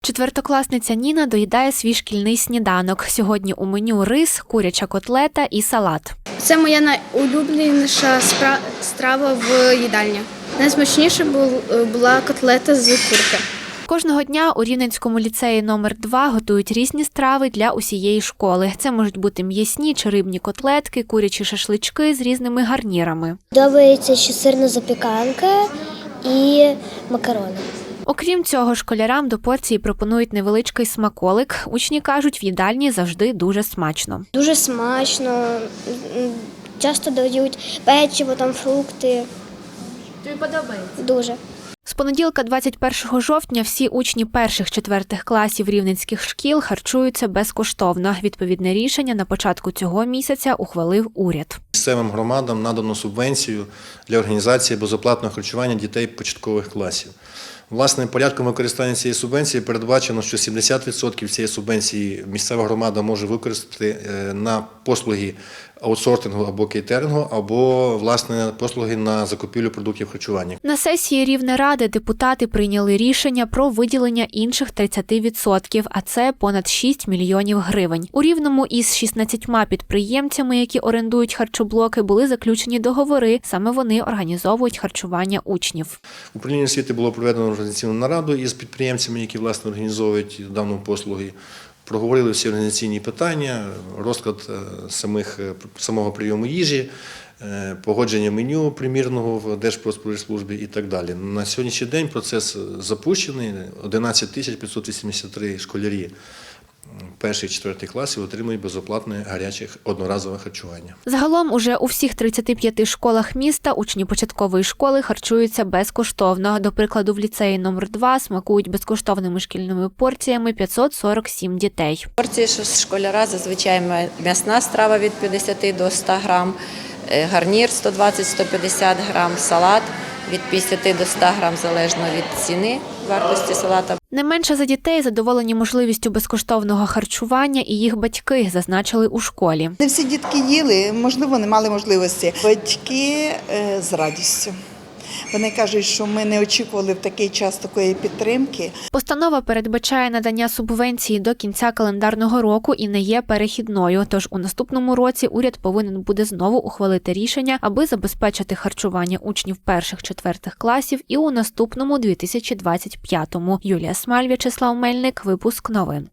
Четвертокласниця Ніна доїдає свій шкільний сніданок. Сьогодні у меню рис, куряча котлета і салат. Це моя найулюбленіша страва в їдальні. Найсмачніша була котлета з курки. Кожного дня у Рівненському ліцеї номер 2 готують різні страви для усієї школи. Це можуть бути м'ясні чи рибні котлетки, курячі шашлички з різними гарнірами. Подобається ще сирна запіканка і макарони. Окрім цього, школярам до порції пропонують невеличкий смаколик. Учні кажуть, в їдальні завжди дуже смачно. Дуже смачно, часто дають печиво, там фрукти. Тобі подобається? Дуже. З понеділка 21 жовтня всі учні перших-четвертих класів рівненських шкіл харчуються безкоштовно. Відповідне рішення на початку цього місяця ухвалив уряд. Місцевим громадам надано субвенцію для організації безоплатного харчування дітей початкових класів. Власне, порядком використання цієї субвенції передбачено, що 70% цієї субвенції місцева громада може використати на послуги аутсортингу або кейтерингу, або, власне, послуги на закупівлю продуктів харчування. На сесії Рівнеради депутати прийняли рішення про виділення інших 30%, а це понад 6 мільйонів гривень. У Рівному із 16 підприємцями, які орендують харчоблоки, були заключені договори. Саме вони організовують харчування учнів. Управління освіти було проведено організаційну нараду із підприємцями, які, власне, організовують дану послуги. Проговорили всі організаційні питання, розклад самого прийому їжі, погодження меню примірного в Держпродспоживслужбі і так далі. На сьогоднішній день процес запущений. 11 583 школярі перших і четвертих класів отримують безоплатне гаряче одноразове харчування. Загалом уже у всіх 35 школах міста учні початкової школи харчуються безкоштовно. До прикладу, в ліцеї номер 2 смакують безкоштовними шкільними порціями 547 дітей. Порції школяра зазвичай м'ясна страва від 50 до 100 грам, гарнір 120-150 грам, салат від 50 до 100 грам, залежно від ціни вартості салата. Не менше за дітей задоволені можливістю безкоштовного харчування і їх батьки, зазначили у школі. Не всі дітки їли, можливо, не мали можливості. Батьки з радістю. Вони кажуть, що ми не очікували в такий час такої підтримки. Постанова передбачає надання субвенції до кінця календарного року і не є перехідною. Тож у наступному році уряд повинен буде знову ухвалити рішення, аби забезпечити харчування учнів перших-четвертих класів і у наступному 2025-му. Юлія Смаль, В'ячеслав Мельник, випуск новин.